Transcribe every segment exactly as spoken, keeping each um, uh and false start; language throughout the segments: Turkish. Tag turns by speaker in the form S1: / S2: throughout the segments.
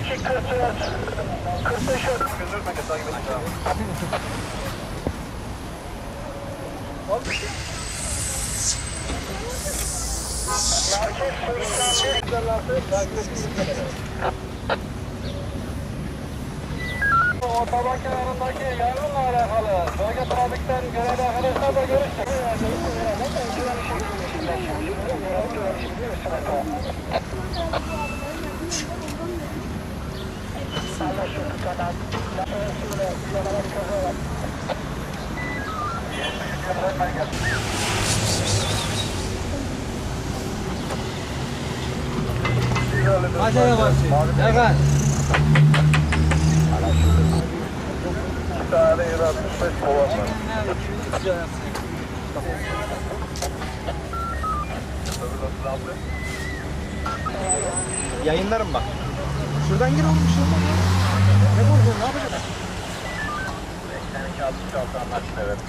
S1: iki kırk kırk beş gözür paket takip edin. Otoban kenarındaki yangınla alakalı bölge trafikten görevli arkadaşlarla görüştük.
S2: Acele başlayın. Evet.
S1: İki tane yedi altmış beş kovan var.
S2: Yayınlarım bak. Şuradan gir oğlum bir şey olmaz ya. Ne bozuyorsun, ne yapacaksın?
S1: seksen iki altmış altı anlaştı evet.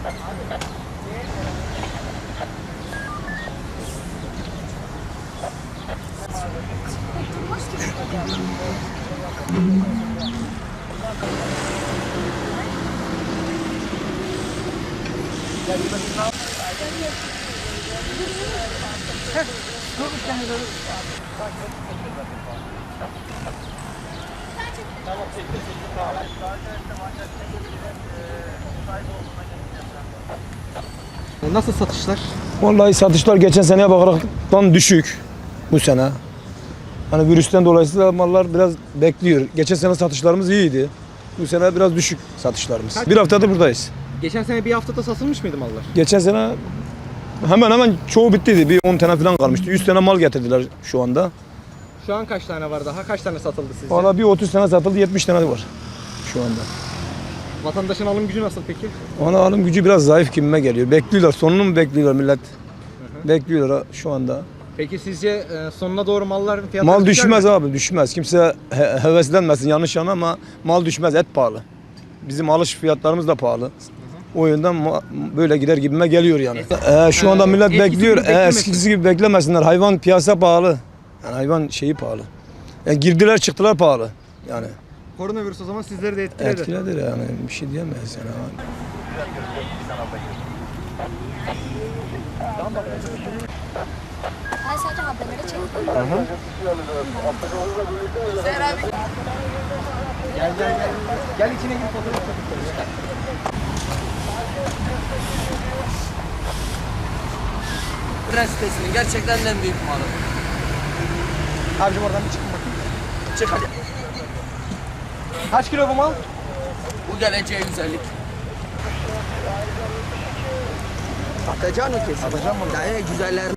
S2: Nasıl satışlar?
S3: Vallahi satışlar geçen seneye bakaraktan düşük bu sene. Hani virüsten dolayısıyla mallar biraz bekliyor. Geçen sene satışlarımız iyiydi. Bu sene biraz düşük satışlarımız. Bir haftadır buradayız.
S2: Geçen sene bir haftada satılmış mıydı mallar?
S3: Geçen sene hemen hemen çoğu bittiydi. Bir on tane falan kalmıştı. yüz tane mal getirdiler şu anda.
S2: Şu an kaç tane var daha? Kaç tane satıldı sizce?
S3: Valla bir otuz tane satıldı, yetmiş tane var şu anda.
S2: Vatandaşın alım gücü nasıl peki?
S3: Ona alım gücü biraz zayıf kimime geliyor. Bekliyorlar, sonunu mu bekliyorlar millet?
S2: Hı hı.
S3: Bekliyorlar şu anda.
S2: Peki sizce e, sonuna doğru malların fiyatları
S3: Mal
S2: düşer
S3: düşmez
S2: mi?
S3: abi, düşmez. Kimse he- heveslenmesin, yanlış anlama ama mal düşmez, et pahalı. Bizim alış fiyatlarımız da pahalı. O yönden ma- böyle gider gibime geliyor yani. Ee, şu anda
S2: Ee,
S3: millet
S2: eskisi
S3: bekliyor.
S2: gibi
S3: Ee,
S2: beklemesin.
S3: eskisi gibi beklemesinler. Hayvan piyasa pahalı. Yani hayvan şeyi pahalı. Yani girdiler çıktılar pahalı. Yani
S2: Koronavirüs o zaman sizleri de etkiledi.
S3: etkiledir yani. Bir şey diyemeyiz yani.
S4: Ben sadece haberleri çektim.
S2: Gel gel gel. Gel içine gir fotoğraf çekelim.
S5: Prens sitesinin gerçekten en büyük malı.
S2: Abicim oradan bir çıkın bakayım.
S5: Çık hadi.
S2: Kaç kilo bu mal?
S5: Bu geleceğe güzellik.
S2: Atacağım mı kesin?
S5: Ya, e, güzeller.